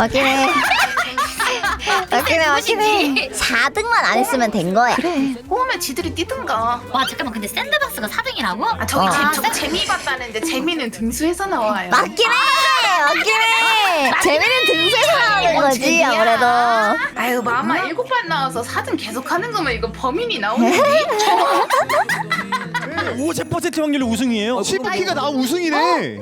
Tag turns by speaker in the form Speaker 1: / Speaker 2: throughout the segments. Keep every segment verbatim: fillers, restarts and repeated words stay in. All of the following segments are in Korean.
Speaker 1: 맞긴 해. 맞긴 해, 맞긴 해. 사 등만 안 했으면 된 거야.
Speaker 2: 그래. 꼬우면 지들이 뛰든가.
Speaker 3: 와 잠깐만 근데 샌드박스가 사 등이라고?
Speaker 2: 아 저기
Speaker 1: 어.
Speaker 2: 재, 저 재미 봤다는데 재미는 등수에서 나와요.
Speaker 1: 맞긴 해! 맞긴 해! 재미는 등수에서 나오는
Speaker 2: 뭔
Speaker 1: 거지,
Speaker 2: 재미야.
Speaker 1: 아무래도.
Speaker 2: 아유 마마 일곱 반 나와서 사 등 계속 하는 거면 이거 범인이 나오는데.
Speaker 4: 오십 퍼센트 확률로 우승이에요.
Speaker 5: 치부키가 나 우승이네.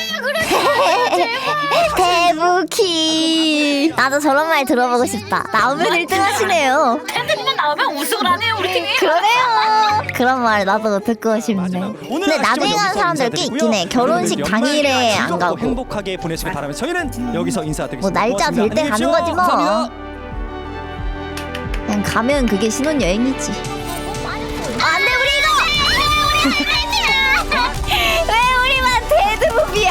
Speaker 1: 대부키. 나도 저런 말 들어보고 싶다. 나오면 일 등 하시네요.
Speaker 3: 샌드박스 나오면 우승을 하네요 우리 팀이.
Speaker 1: 그러네요. 그런 말 나도 듣고 싶네. 근데 나중에 가는 사람들 꽤 있긴 해. 결혼식 당일에 안 가고.
Speaker 4: 행복하게 보내시길 바라면서 저희는 여기서 인사드리겠습니다.
Speaker 1: 뭐 날짜 될 때 가는 거지 뭐.
Speaker 4: 감사합니다.
Speaker 1: 그냥 가면 그게 신혼여행이지. 안 돼, 우리 이거! 왜 우리만 데드무비야?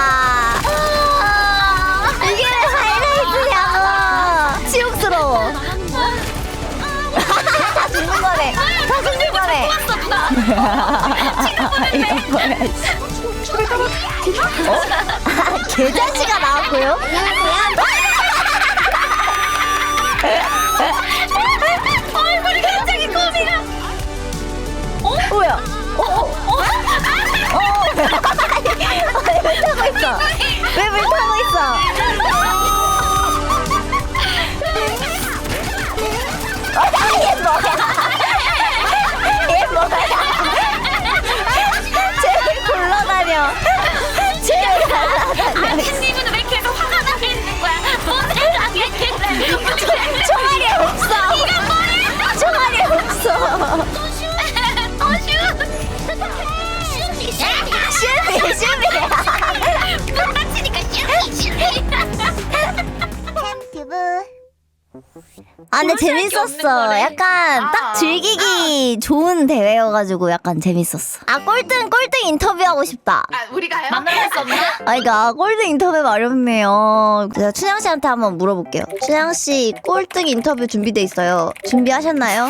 Speaker 1: 이게 왜 하이라이트냐고! 치욕스러워. 다 죽는 거네. 다 죽는 거네. 이거 뭐야, 씨. 어? 아, 개자식아 나왔고요?
Speaker 3: 얼굴이 갑자기 코미가.
Speaker 1: 뭐야? 어? 어? 어? 어? 왜 타고 있어? 왜 물 타고 있어? 어, 얘 뭐야? 얘 뭐야? 쟤왜 굴러다녀? 쟤왜 날아다녀?
Speaker 3: 아드님은 왜 계속 화가 나게 있는 거야? 뭔데 당했겠네.
Speaker 1: 총알이 없어. 총알이 없어. 슈비 슈비. 아 근데 재밌었어. 약간 딱 즐기기 좋은 대회여가지고 약간 재밌었어. 아 꼴등 꼴등 인터뷰하고 싶다.
Speaker 2: 아 우리가요?
Speaker 3: 만날 수 없나?
Speaker 1: 아 그러니까 꼴등 인터뷰 마렵네요. 제가 춘향 씨한테 한번 물어볼게요. 춘향 씨 꼴등 인터뷰 준비돼 있어요. 준비하셨나요?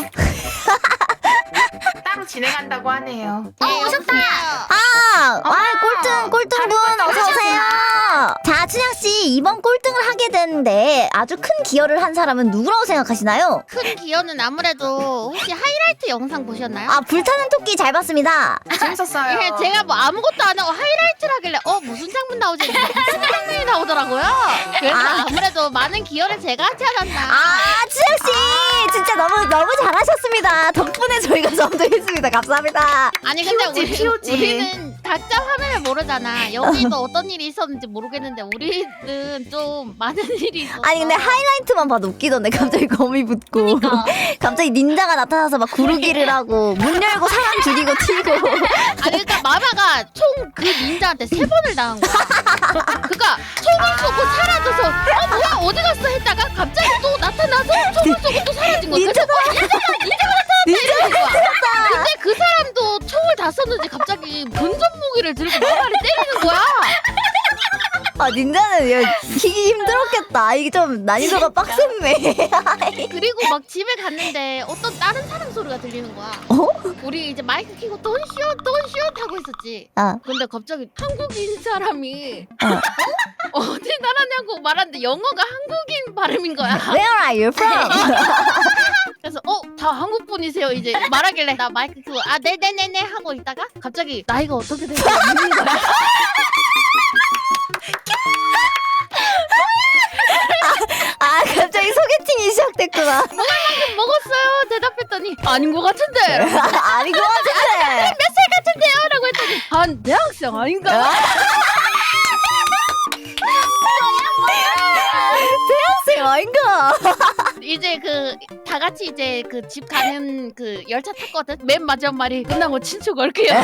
Speaker 2: 따로 진행한다고 하네요.
Speaker 3: 어 오셨다.
Speaker 1: 아, 아 꼴등 꼴등분 어서 오세요. 자 춘향 씨 이번 꼴등을 하게 됐는데 아주 큰 기여를 한 사람은 누구라고 생각하시나요?
Speaker 6: 큰 기여는 아무래도 혹시 하이라이트 영상 보셨나요?
Speaker 1: 아 불타는 토끼 잘 봤습니다.
Speaker 2: 재밌었어요.
Speaker 6: 예, 제가 뭐 아무것도 안 하고 하이라이트를 하길래 어 무슨 장면 나오지? 무슨 장면이 나오더라고요. 그래서
Speaker 1: 아.
Speaker 6: 아. 무래도 많은 기여를 제가 하지 않았나.
Speaker 1: 아 춘향 씨 진짜 너무 너무 잘하셨습니다. 덕분에 저희가 성공했습니다. 감사합니다.
Speaker 6: 아니 근데
Speaker 2: 피오지,
Speaker 6: 우리,
Speaker 2: 피오지.
Speaker 6: 우리는 각자 화면을 모르잖아. 여기도 어떤 일이 있었는지 모르겠는데 우리는 좀 많은 일이 있었어.
Speaker 1: 아니 근데 하이라이트만 봐도 웃기던데 갑자기 거미 붙고 갑자기 닌자가 나타나서 막 구르기를 하고 문 열고 사람 죽이고 튀고.
Speaker 6: 아니 그러니까 마마가 총 그 닌자한테 세 번을 당한 거야. 그니까 총을 쏘고 사라져서 어 뭐야 어디 갔어 했다가 갑자기 또 나타나서 총을 쏘고 또 사라진 거야. 그래서 어, 닌자가 닌자가 나타났다. 거야. 근데 그 사람도 총을 다 썼는지 갑자기 근접 무기를 들고 마마를 때리는 거야.
Speaker 1: 아 닌자는 야, 키기 힘들었겠다. 이게 좀 난이도가 빡셌네.
Speaker 6: 그리고 막 집에 갔는데 어떤 다른 사람 소리가 들리는 거야.
Speaker 1: 어?
Speaker 6: 우리 이제 마이크 켜고 돈시옷 돈시옷 하고 있었지.
Speaker 1: 아
Speaker 6: 근데 갑자기 한국인 사람이
Speaker 1: 어.
Speaker 6: 어? 어디 나라냐고 말하는데 영어가 한국인 발음인 거야.
Speaker 1: Where are you from?
Speaker 6: 그래서 어 다 한국 분이세요 이제 말하길래 나 마이크 켜고 아 네네네네 하고 있다가 갑자기 나이가 어떻게 되는지 묻는 거야.
Speaker 1: 아 갑자기 소개팅이 시작됐구나.
Speaker 6: 먹었어요 대답했더니 아닌 것 같은데
Speaker 1: 아닌 것 같은데.
Speaker 6: 몇 살 같은데요? 라고 했더니 한 대학생 아닌가?
Speaker 1: 대학생 아닌가?
Speaker 6: 이제 그 다 같이 이제 그 집 가는 그 열차 탔거든. 맨 마지막 말이 끝나고 친추 걸게요.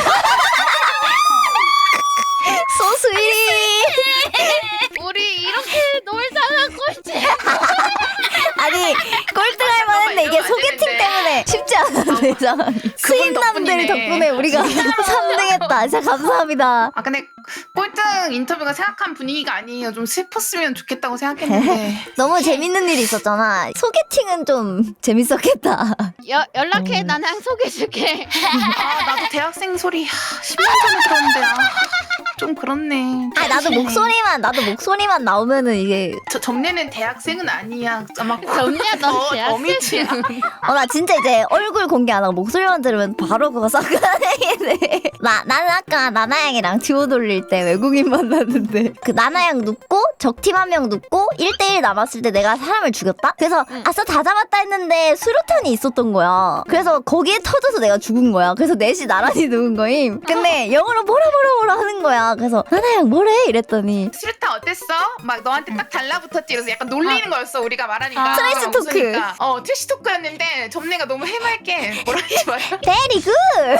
Speaker 1: 소스위.
Speaker 6: 우리 이렇게 놀다가 꼴찌.
Speaker 1: 아니 꼴등할 만했는데 이게
Speaker 2: 이러면 안
Speaker 1: 소개팅
Speaker 2: 되는데.
Speaker 1: 때문에 쉽지 않은데 상황이. 수인남들
Speaker 2: 덕분이네.
Speaker 1: 덕분에 우리가 삼 등 했다. 진짜 감사합니다.
Speaker 2: 아 근데 꼴등 인터뷰가 생각한 분위기가 아니에요. 좀 슬펐으면 좋겠다고 생각했는데.
Speaker 1: 너무 재밌는 일이 있었잖아. 소개팅은 좀 재밌었겠다.
Speaker 6: 여, 연락해.
Speaker 1: 음.
Speaker 6: 나는 소개해줄게.
Speaker 2: 아 나도 대학생 소리 십 년 전에 들었는데 아, 좀 그렇네.
Speaker 1: 아 나도 목소리만 나도 목소리만 나오면은 이게
Speaker 2: 저 점례는 대학생은 아니야. 아마
Speaker 6: 점례야, 넌
Speaker 2: 어,
Speaker 6: 대학생이야.
Speaker 2: 어미치야.
Speaker 1: 어 나 진짜 이제 얼굴 공개 안 하고 목소리만 들으면 바로 그거 싹가능이네. 나 나는 아까 나나양이랑 듀오 돌릴 때 외국인 만났는데 그 나나양 눕고 적팀 한 명 눕고 일 대 일 남았을 때 내가 사람을 죽였다. 그래서
Speaker 6: 응.
Speaker 1: 아싸 다 잡았다 했는데 수류탄이 있었던 거야. 그래서 거기에 터져서 내가 죽은 거야. 그래서 넷이 나란히 누운 거임. 근데 영어로 뭐라 뭐라 뭐라 하는 거야. 그래서 나나양 뭐래 이랬더니
Speaker 2: 수류탄 어땠어? 막 너한테 딱 달라붙었지. 그래서 약간 놀리는 거였어. 우리가 말하니까.
Speaker 6: 아,
Speaker 1: 트레이스 토크.
Speaker 2: 웃으니까. 어 트래시 토크였는데 점례가 너무 해맑게 뭐라 하지 마요.
Speaker 1: 베리 굿.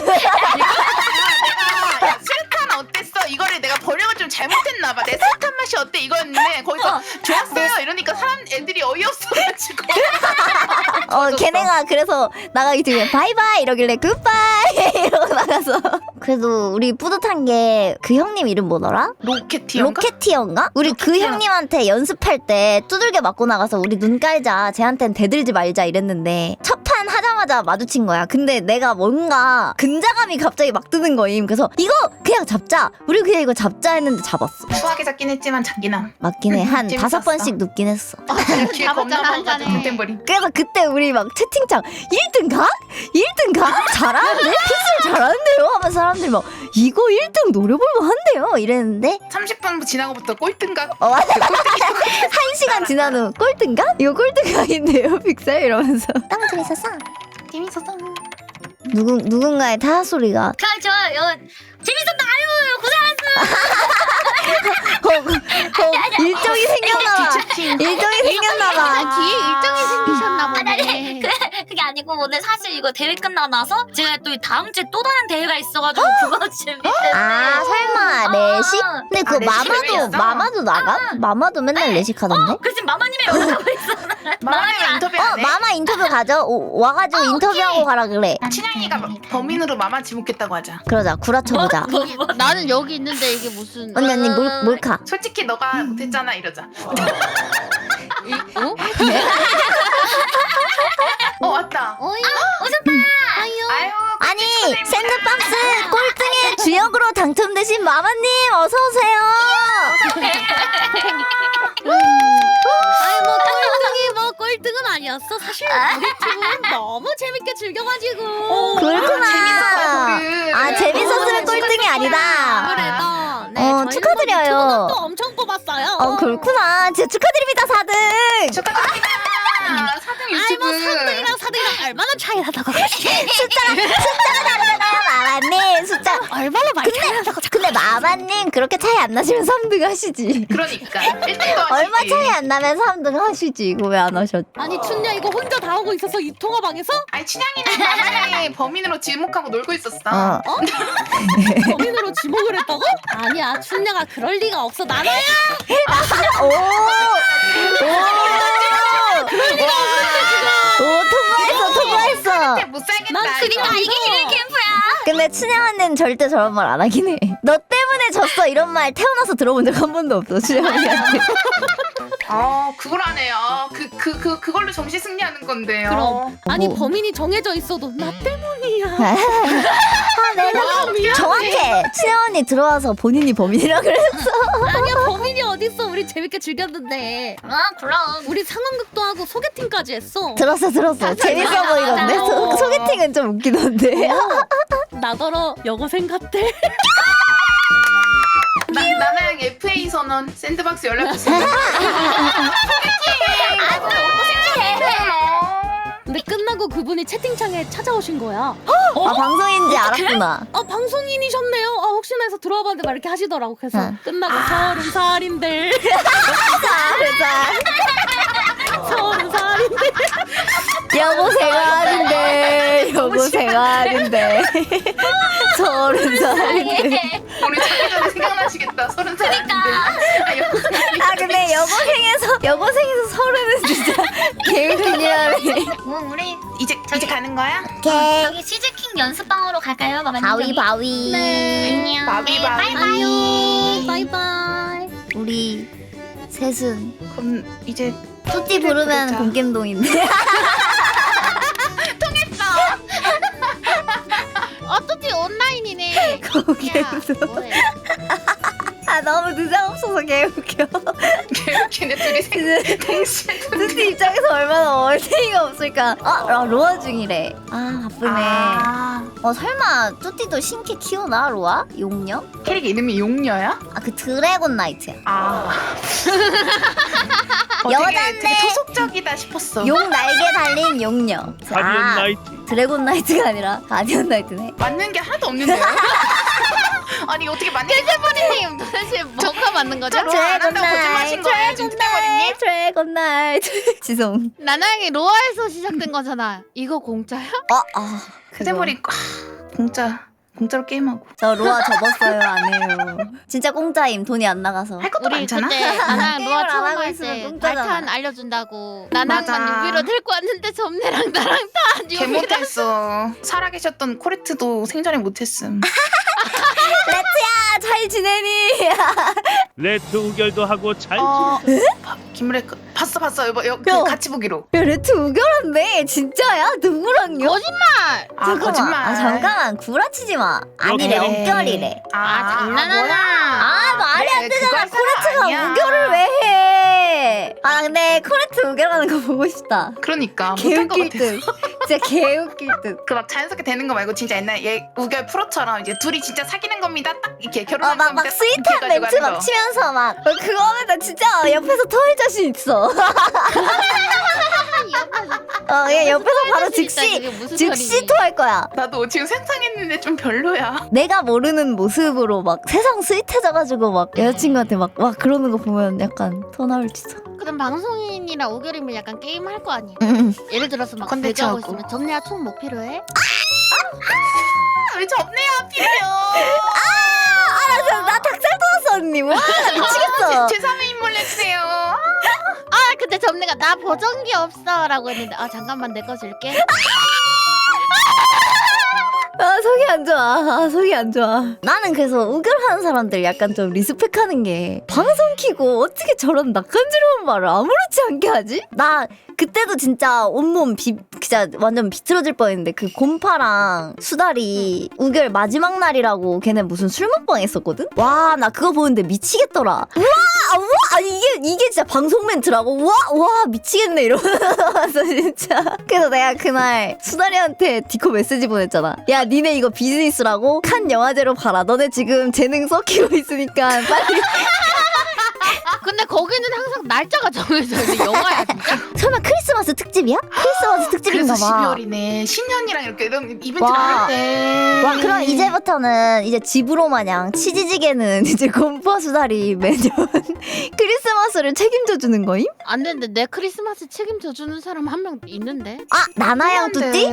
Speaker 2: 내가 야, 수류탄 어땠어? 이거를 내가 번역을 좀 잘못했나 봐. 내 수류탄 맛이 어때? 이거였는데 거기서 좋았어요 이러니까 사람 애들이 어이없어가지고.
Speaker 1: 어 걔네가 그래서 나가기 전에 바이바이 이러길래 굿바이 이러고 나가서 그래도 우리 뿌듯한 게 그 형님 이름 뭐더라?
Speaker 2: 로켓티어인가?
Speaker 1: 로켓티어인가? 우리 그
Speaker 2: 로켓티어.
Speaker 1: 형님한테 연습할 때 두들겨 맞고 나가서 우리 눈 깔자 쟤한텐 대들지 말자 이랬는데 첫 판 하자마자 마주친 거야. 근데 내가 뭔가 근자감이 갑자기 막 드는 거임. 그래서 이거 그냥 잡자 우리 그냥 이거 잡자 했는데 잡았어.
Speaker 2: 수하게 잡긴 했지만 자기남.
Speaker 1: 맞긴 해한
Speaker 2: 재밌었어.
Speaker 1: 다섯 번씩 눕긴 했어.
Speaker 2: 뒤에 겁나
Speaker 6: 잡았잖아,
Speaker 2: 많아가지고
Speaker 6: 한잔해.
Speaker 2: 템템버리.
Speaker 1: 그래서 그때 우리 막 채팅창 일 등 각? 일 등 각? 잘하는데? 픽셀 잘하는데요? 하면서 사람들이 막 이거 일 등 노려볼만 한데요? 이랬는데
Speaker 2: 삼십 분 지나고부터 꼴등각.
Speaker 1: 어 맞아 한 시간 지난 후 꼴등 각? 이거 꼴등 각인데요 픽셀? 이러면서 너무 재밌었어.
Speaker 2: 재밌었어.
Speaker 1: 누군, 누군가의 타 소리가
Speaker 3: 그 좋아요. 재밌었다. 아유 고생하셨어.
Speaker 1: 어, 어, 일정이 생겼나봐 일정이 생겼나봐
Speaker 6: 아, 뒤에 일정이 생기셨나
Speaker 3: 아니, 아니,
Speaker 6: 보네.
Speaker 3: 그, 그게 아니고 오늘 사실 이거 대회 끝나고 나서 제가 또 다음 주에 또 다른 대회가 있어가지고 그거 준비했는데.
Speaker 1: 아 설마
Speaker 3: 어.
Speaker 1: 레식? 근데 그거
Speaker 2: 아, 레식
Speaker 1: 마마도
Speaker 2: 레벨이었어?
Speaker 1: 마마도 나가? 마마도 맨날 레식 하던데?
Speaker 3: 어, 그래서 마마님이 연락하고 있어.
Speaker 2: 마마님 인터뷰
Speaker 1: 어
Speaker 2: 안 해?
Speaker 1: 마마 인터뷰 가죠? 오, 와가지고 인터뷰하고 가라 그래.
Speaker 2: 친양이가 범인으로 마마 지목했다고 하자.
Speaker 1: 그러자 구라쳐보자.
Speaker 3: 뭐, 뭐.
Speaker 6: 나는 여기 있는데 이게 무슨
Speaker 1: 언니 언니 몰, 몰카.
Speaker 2: 솔직히 너가 못했잖아 이러자.
Speaker 6: 어?
Speaker 2: 어 왔다.
Speaker 6: 어이
Speaker 2: 아유.
Speaker 1: 아니
Speaker 2: 축하드립니다.
Speaker 1: 샌드박스 꼴등의 주역으로 당첨되신 마마님 어서 오세요.
Speaker 7: 아니 뭐 꼴등이 뭐 꼴등은 아니었어. 사실 우리 팀은 너무 재밌게 즐겨가지고.
Speaker 1: 그렇구나.
Speaker 2: 재밌었어요,
Speaker 1: 아
Speaker 2: 거기.
Speaker 1: 재밌었으면 꼴등이 아니다.
Speaker 7: 아무래도 네,
Speaker 1: 어,
Speaker 7: 저희는
Speaker 1: 축하드려요.
Speaker 7: 뭐 또 엄청 뽑았어요.
Speaker 1: 어 그렇구나. 진짜 축하드립니다 사 등.
Speaker 2: 축하드립니다. 사 등
Speaker 7: 아이 뭐
Speaker 2: 유튜브.
Speaker 7: 삼 등이랑 사 등이랑 얼마나 차이 나다고.
Speaker 1: 숫자가 숫자가 다르잖아요 마마님. 숫자.
Speaker 7: 얼마나 많이 차이 나다고.
Speaker 1: 근데 마마님 그렇게 차이 안 나시면 삼 등 하시지.
Speaker 2: 그러니까 일 등도 하시지.
Speaker 1: 얼마 차이 안 나면 삼 등 하시지. 이거 왜 안 하셨?
Speaker 7: 아니 춘야 이거 혼자 다 하고 있었어 이 통화방에서?
Speaker 2: 아니 친양이는 마마를 범인으로 지목하고 놀고 있었어.
Speaker 1: 어.
Speaker 7: 범인으로 지목을 했다고? 아니야 춘야가 그럴 리가 없어. 나나야.
Speaker 1: 오. 오. 오 통과했어 통과했어.
Speaker 2: 못 살겠다.
Speaker 7: 난 그니까
Speaker 2: 이거.
Speaker 3: 이게 힘의 캠프야.
Speaker 1: 근데 춘향 언니는 절대 저런 말 안 하긴 해. 너 때문에 졌어 이런 말 태어나서 들어본 적 한 번도 없어 춘향 언니한테.
Speaker 2: 아 그걸 하네요. 그 그 그 그, 걸로 정시 승리하는 건데요.
Speaker 7: 그럼 아니
Speaker 1: 뭐.
Speaker 7: 범인이 정해져 있어도 나 때문이야.
Speaker 1: 아 내가
Speaker 2: 와,
Speaker 1: 정확해. 춘향 언니 들어와서 본인이 범인이라 그랬어.
Speaker 7: 아니야 범인이 어딨어. 우리 재밌게 즐겼는데.
Speaker 3: 아 그럼.
Speaker 7: 우리 상황극도 하고 소개팅까지 했어.
Speaker 1: 들었어 들었어. 재밌어 보이던데. 소, 소개팅은 좀 웃기던데.
Speaker 7: 나더러 여고생 같대.
Speaker 2: 나 나나양 에프에이 선언 샌드박스 연락 주세요.
Speaker 7: 근데 끝나고 그분이 채팅창에 찾아오신 거야.
Speaker 1: 아 방송인지 알았구나.
Speaker 7: 아 방송인이셨네요. 아 혹시나 해서 들어와 봤는데 막 이렇게 하시더라고. 그래서
Speaker 1: 응.
Speaker 7: 끝나고 서른 살인데
Speaker 1: 자 그래서
Speaker 7: 서른 살인데
Speaker 1: 여보 생활인데 여보 생활인데 서른 살인데.
Speaker 2: 우리 자기 전에 생각나시겠다. 서른 살인데. 아 여보.
Speaker 1: 아 근데 여고생에서 여고생에서 서른은 진짜 개웃기냐네.
Speaker 3: 뭐 우리
Speaker 2: 이제 이제 가는 거야?
Speaker 1: 오케이.
Speaker 3: 저기 시즈킹 연습방으로 갈까요, 마마님?
Speaker 1: 바위 바위.
Speaker 3: 안녕.
Speaker 2: 바위,
Speaker 3: 네,
Speaker 2: 바위.
Speaker 3: 바이바이.
Speaker 7: 바이바이.
Speaker 1: 우리 셋은
Speaker 2: 그럼 이제
Speaker 1: 뚜띠 부르면
Speaker 2: 부르자.
Speaker 1: 공겜동인데.
Speaker 6: 어떻게 온라인이네.
Speaker 1: 공겜동.
Speaker 6: 뭐해?
Speaker 1: 너무 느장 없어서 개웃겨.
Speaker 2: 걔네 둘이 생 동시에
Speaker 1: 뚜띠 입장에서 얼마나 얼탱이가 없을까. 아, 아 로아 중이래. 아 바쁘네.
Speaker 2: 아,
Speaker 1: 어 설마 뚜띠도 신캐 키우나 로아? 용녀?
Speaker 2: 캐릭 이름이 용녀야?
Speaker 1: 아 그 드래곤 나이트야.
Speaker 2: 아 어,
Speaker 1: 여잔데.
Speaker 2: 되게, 되게 토속적이다 싶었어.
Speaker 1: 용 날개 달린 용녀.
Speaker 8: 가디언
Speaker 1: 아,
Speaker 8: 나이트.
Speaker 1: 드래곤 나이트가 아니라 가디언 나이트네.
Speaker 2: 맞는 게 하나도 없는데요? 아니 어떻게 맞는 게
Speaker 6: 님 도대체 뭐가 맞는 거죠?
Speaker 2: 진짜 로아 안 한다고 거짓말하신 거예요 지금 뚜띠머리님?
Speaker 1: 드래곤 나이트. 지송.
Speaker 6: 나나양이 로아에서 시작된 거잖아. 이거 공짜야?
Speaker 1: 어, 아.
Speaker 2: 뚜띠머리 아, 공짜 공짜로 게임하고
Speaker 1: 저 로아 접었어요. 안 해요. 진짜 공짜임. 돈이 안 나가서.
Speaker 2: 할 것도
Speaker 6: 우리
Speaker 2: 많잖아.
Speaker 6: 그때 나나양
Speaker 1: 게임을
Speaker 6: 로아
Speaker 1: 안
Speaker 6: 처음
Speaker 1: 하고
Speaker 6: 할
Speaker 1: 있으면
Speaker 6: 때
Speaker 1: 공짜잖아.
Speaker 6: 발탄 알려준다고 나나양만
Speaker 2: 맞아.
Speaker 6: 유비로 데리고 왔는데 점내랑 나랑 다
Speaker 2: 개
Speaker 6: 유비랑
Speaker 2: 못했어. 살아계셨던 코레트도 생전에 못했음.
Speaker 1: 아, 잘 지내니?
Speaker 8: 레트 우결도 하고 잘
Speaker 2: 어, 봐, 김래 봤어 봤어 여보 여, 그
Speaker 1: 야.
Speaker 2: 같이 보기로.
Speaker 1: 야 레트 우결한데 진짜야? 누구랑요?
Speaker 6: 거짓말!
Speaker 2: 아
Speaker 1: 잠깐만.
Speaker 2: 거짓말.
Speaker 1: 아 잠깐만 구라치지 마. 아니래
Speaker 8: 오케이.
Speaker 1: 엉결이래.
Speaker 6: 아, 장난하나.
Speaker 1: 아 말이 안
Speaker 2: 그래,
Speaker 1: 되잖아.
Speaker 2: 그걸 사람
Speaker 1: 코레트가
Speaker 2: 아니야.
Speaker 1: 우결을 왜 해? 아 근데 코레트 우결하는 거 보고 싶다.
Speaker 2: 그러니까 못할 것
Speaker 1: 개웃길
Speaker 2: 같아.
Speaker 1: 듯. 진짜 개웃길 듯.
Speaker 2: 그 막 자연스럽게 되는 거 말고 진짜 옛날 얘 우결 프로처럼 이제 둘이 진짜 사귀는 겁니다. 딱 이렇게 결혼하는
Speaker 1: 어막 막
Speaker 2: 겁니다. 딱
Speaker 1: 스윗한
Speaker 2: 이렇게
Speaker 1: 멘트
Speaker 2: 해가지고
Speaker 1: 막 치면서 막 어, 그거 하면 나 진짜 옆에서 토할 자신 있어. 어, 얘 옆에서 바로 즉시 즉시 토할 거야.
Speaker 2: 나도 지금 상상했는데 좀 별로야.
Speaker 1: 내가 모르는 모습으로 막 세상 스윗해져가지고 막 여자친구한테 막 와 그러는 거 보면 약간 토 나올지도.
Speaker 6: 그럼 방송인이랑 오결이면 약간 게임 할 거 아니야?
Speaker 1: 응.
Speaker 6: 예를 들어서 막
Speaker 2: 컨텐츠
Speaker 6: 배가하고
Speaker 2: 하고.
Speaker 6: 있으면 점내야 총 뭐 필요해?
Speaker 2: 아, 왜 접내야 필요?
Speaker 1: 알았어, 나 닭살 돋았어 언니. 와 미치겠어.
Speaker 2: 제 삼의 인물 내주세요.
Speaker 6: 아 근데 점내가 나 보정기 없어 라고 했는데 아 잠깐만 내 거 줄게.
Speaker 1: 아 속이 안 좋아. 아 속이 안 좋아. 나는 그래서 우결하는 사람들 약간 좀 리스펙하는 게 방송 키고 어떻게 저런 낯간지러운 말을 아무렇지 않게 하지? 나 그때도 진짜 온몸 비 진짜 완전 비틀어질 뻔했는데 그 곰파랑 수달이 우결 마지막 날이라고 걔네 무슨 술 먹방 했었거든? 와 나 그거 보는데 미치겠더라. 우와 우와 아니 이게 이게 진짜 방송 멘트라고 우와 우와 미치겠네 이러면서 진짜. 그래서 내가 그날 수달이한테 디코 메시지 보냈잖아. 야 니네 이거 비즈니스라고 칸 영화제로 봐라. 너네 지금 재능 썩히고 있으니까 빨리.
Speaker 6: 근데 거기는 항상 날짜가 정해져 있는 영화야 진짜.
Speaker 1: 설마 크리스마스 특집이야? 크리스마스 특집인가
Speaker 2: 그래서
Speaker 1: 봐.
Speaker 2: 십이월이네. 신년이랑 이렇게 이런 이벤트
Speaker 1: 와.
Speaker 2: 나올 때.
Speaker 1: 와 그럼 이제부터는 이제 집으로 마냥 치즈지게는 이제 곰파 수달이 매년 크리스마스를 책임져 주는 거임?
Speaker 6: 안 되는데 내 크리스마스 책임져 주는 사람 한 명 있는데.
Speaker 1: 아 나나양 뚜띠?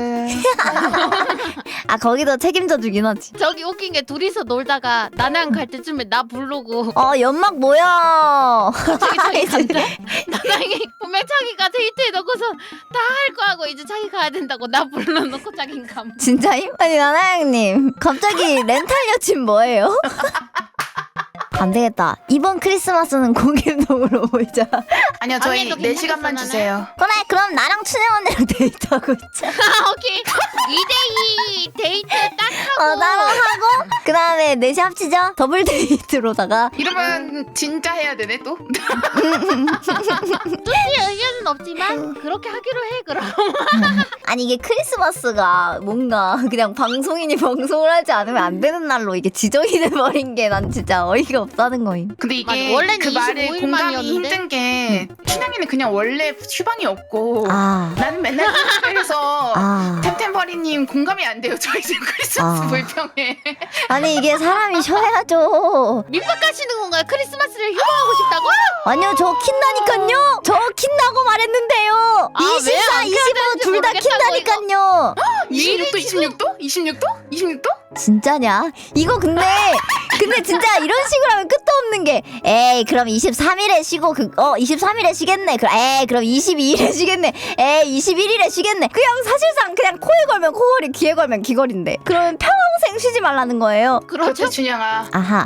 Speaker 1: 아 거기도 책임져 주긴 하지.
Speaker 6: 저기 웃긴 게 둘이서 놀다가 나나양 갈 때쯤에 나 부르고
Speaker 1: 어 연막 뭐야?
Speaker 6: 자기 자기 간다. 나나양이 분명 자기가 데이트해 놓고서 다 할 거 하고 이제 자기 가야 된다고 나 불러놓고 자긴 감.
Speaker 1: 진짜임? 아니 나나양님 갑자기 렌탈 여친 뭐예요? 안 되겠다. 이번 크리스마스는 공일동으로 모이자.
Speaker 2: 아니요 저희
Speaker 6: 언니도
Speaker 2: 네 시간만
Speaker 6: 괜찮겠어,
Speaker 2: 주세요.
Speaker 1: 그래 그럼 나랑 춘영 언니랑 데이트하고 있자.
Speaker 6: 아 오케이 이 대이 데이트 딱 하고.
Speaker 1: 어 따로 하고 그 다음에 넷이 합치자. 더블 데이트로다가
Speaker 2: 이러면 진짜 해야 되네 또.
Speaker 6: 뚜띠의 의견은 없지만 그렇게 하기로 해 그럼.
Speaker 1: 아니 이게 크리스마스가 뭔가 그냥 방송인이 방송을 하지 않으면 안 되는 날로 이게 지정이 돼버린 게 난 진짜 어이가 없다는 거임.
Speaker 2: 근데 이게
Speaker 6: 맞아, 원래는
Speaker 2: 그 말에
Speaker 6: 이십오
Speaker 2: 공감이
Speaker 6: 일만이었는데?
Speaker 2: 힘든 게 춘향이는 그냥 원래 휴방이 없고
Speaker 1: 아,
Speaker 2: 나는 맨날 그래서
Speaker 1: 아.
Speaker 2: 템템버리님 공감이 안 돼요. 저희 지금 크리스마스
Speaker 1: 아.
Speaker 2: 불평에.
Speaker 1: 아니 이게 사람이 쉬어야죠.
Speaker 6: 밑밥 가시는 건가요? 크리스마스를 휴방하고 싶다고?
Speaker 1: 아니요 저 킨다니깐요. 저 킨다고 말했는데요.
Speaker 6: 아, 왜
Speaker 1: 이십사,
Speaker 6: 안 켜야
Speaker 1: 이십오
Speaker 6: 되는지
Speaker 1: 둘 다
Speaker 6: 모르겠다고,
Speaker 1: 킨다니깐요.
Speaker 2: 이십육 도 이십육 도? 이십육 도? 이십육 도?
Speaker 1: 진짜냐? 이거 근데 근데 진짜 이런 식으로 하면 끝도 없는 게 에이 그럼 이십삼 일에 쉬고 그 어 이십삼 일에 쉬겠네. 그 에이 그럼 이십이 일에 쉬겠네. 에이 이십일 일에 쉬겠네. 그냥 사실상 그냥 코에 걸면 코걸이 귀에 걸면 귀걸인데 그러면 평생 쉬지 말라는 거예요.
Speaker 6: 그렇죠.
Speaker 2: 그렇죠 춘향아.
Speaker 1: 아하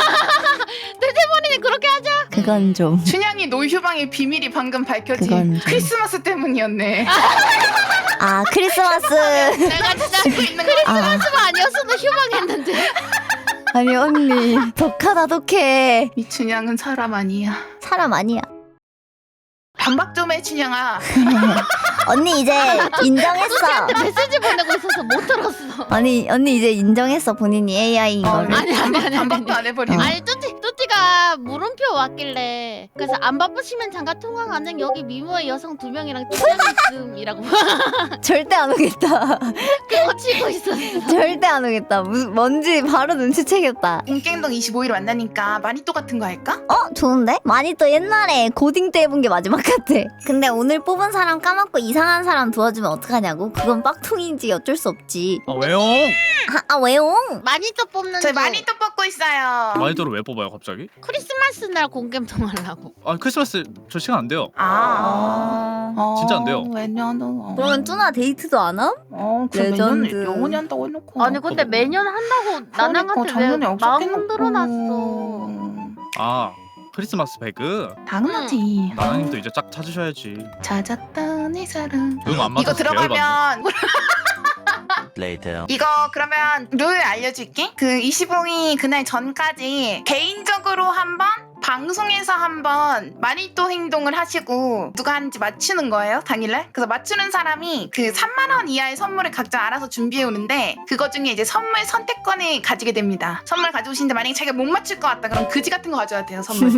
Speaker 6: 템템버리는 그렇게 하자.
Speaker 1: 그건 좀
Speaker 2: 춘향이 노휴방의 비밀이 방금 밝혀진
Speaker 1: 그건 좀-
Speaker 2: 크리스마스 때문이었네.
Speaker 1: 아 크리스마스
Speaker 6: 내가 진짜
Speaker 2: 고 있는 거.
Speaker 1: 아,
Speaker 6: 크리스마스가 아니었어도 휴방했는데.
Speaker 1: 아니 언니 독하다 독해.
Speaker 2: 미춘향은 사람 아니야.
Speaker 1: 사람 아니야.
Speaker 2: 반박 좀 해, 춘향아.
Speaker 1: 언니 이제 인정했어.
Speaker 6: 메시지 보내고 있어서 못 들었어.
Speaker 1: 아니 언니 이제 인정했어 본인이 에이아이인 거를.
Speaker 6: 아니 아니 아니 아니.
Speaker 2: 반박도 안 해버리네.
Speaker 6: 아니 뚜띠 뚜띠가 물음표 왔길래 그래서 안 바쁘시면 잠깐 통화 가능 여기 미모의 여성 두 명이랑 통화 있음이라고
Speaker 1: 절대 안 오겠다.
Speaker 6: 그거 치고 있었어.
Speaker 1: 절대 안 오겠다. 무슨 뭔지 바로 눈치채겠다.
Speaker 2: 공갱동 이십오 일 만나니까 마니또 같은 거 할까?
Speaker 1: 어 좋은데? 많이 또 옛날에 고딩 때 해본 게 마지막 같아. 근데 오늘 뽑은 사람 까먹고 이상한 사람 도와주면 어떡하냐고? 그건 빡통인지 어쩔 수 없지.
Speaker 9: 아 왜요?
Speaker 1: 아, 아 왜요?
Speaker 6: 많이 또 뽑는
Speaker 2: 저희
Speaker 6: 중.
Speaker 2: 마니또 뽑고 있어요.
Speaker 9: 마니또를 왜 뽑아요 갑자기?
Speaker 6: 크리스마스 날 공개통 하려고.
Speaker 9: 아 크리스마스 저 시간 안 돼요.
Speaker 2: 아, 어,
Speaker 9: 진짜 안 돼요.
Speaker 2: 왜냐면
Speaker 1: 그러면 뚜나 데이트도 안 함?
Speaker 2: 어, 그
Speaker 1: 레전드.
Speaker 2: 매년 영원히 한다고 해놓고.
Speaker 6: 아니 근데 매년 한다고 나나한테 왜 마음 들어놨어.
Speaker 9: 아 크리스마스 배그?
Speaker 2: 당연하지.
Speaker 9: 나나님도 이제 짝 찾으셔야지.
Speaker 2: 찾았다 내 사랑.
Speaker 9: 응, 안
Speaker 2: 이거
Speaker 9: 맞아서
Speaker 2: 들어가면
Speaker 5: Later.
Speaker 2: 이거 그러면 룰 알려줄게. 그 이십오일 그날 전까지 개인적으로 한번 방송에서 한번 마니또 행동을 하시고 누가 하는지 맞추는 거예요 당일날. 그래서 맞추는 사람이 그 삼만 원 이하의 선물을 각자 알아서 준비해 오는데 그거 중에 이제 선물 선택권을 가지게 됩니다. 선물 가져오시는데 만약에 자기가 못 맞출 것 같다 그럼 그지 같은 거 가져야 돼요 선물.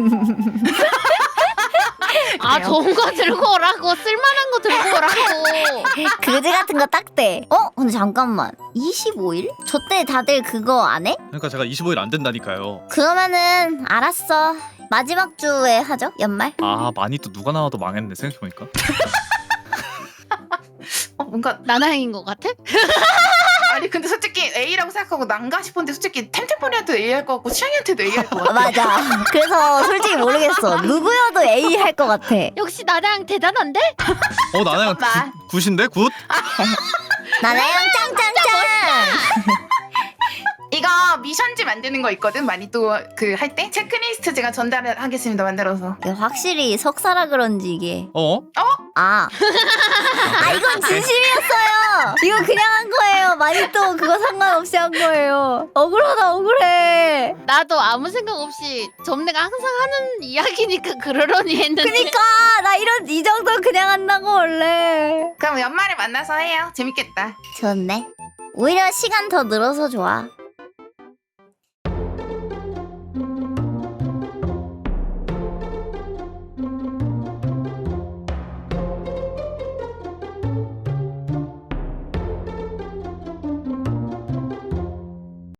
Speaker 6: 아 좋은 거 들고 오라고 쓸만한 거 들고 오라고.
Speaker 1: 그지 같은 거 딱대. 어? 근데 잠깐만. 이십오일? 저 때 다들 그거 안 해?
Speaker 9: 그러니까 제가 이십오 일 안 된다니까요.
Speaker 1: 그러면은 알았어. 마지막 주에 하죠? 연말?
Speaker 9: 아 마니또 누가 나와도 망했네 생각해보니까.
Speaker 2: 어 뭔가
Speaker 6: 나나행인 것 같아?
Speaker 2: 아니 근데 솔직히 A라고 생각하고 난가 싶었는데 솔직히 템템포리한테도 A 할 것 같고 취향이한테도 A 할 것
Speaker 1: 아,
Speaker 2: 같아.
Speaker 1: 맞아. 그래서 솔직히 모르겠어. 누구여도 A 할 것 같아.
Speaker 6: 역시 나나행 대단한데?
Speaker 9: 어 나나양
Speaker 2: 잠깐만.
Speaker 9: 굿인데 굿?
Speaker 1: 나나양 짱짱짱.
Speaker 2: 이거 미션지 만드는 거 있거든. 많이 또 그 할 때 체크리스트 제가 전달하겠습니다. 만들어서.
Speaker 1: 이게 확실히 석사라 그런지 이게.
Speaker 9: 어?
Speaker 1: 아. 아 이건 진심이었어요. 이거 그냥 한 거예요. 많이 또 그거 상관없이 한 거예요. 억울하다 억울해.
Speaker 6: 나도 아무 생각 없이 점내가 항상 하는 이야기니까 그러려니 했는데.
Speaker 1: 그니까 나 이런 이 정도 그냥 한다고 원래.
Speaker 2: 그럼 연말에 만나서 해요. 재밌겠다.
Speaker 1: 좋네. 오히려 시간 더 늘어서 좋아.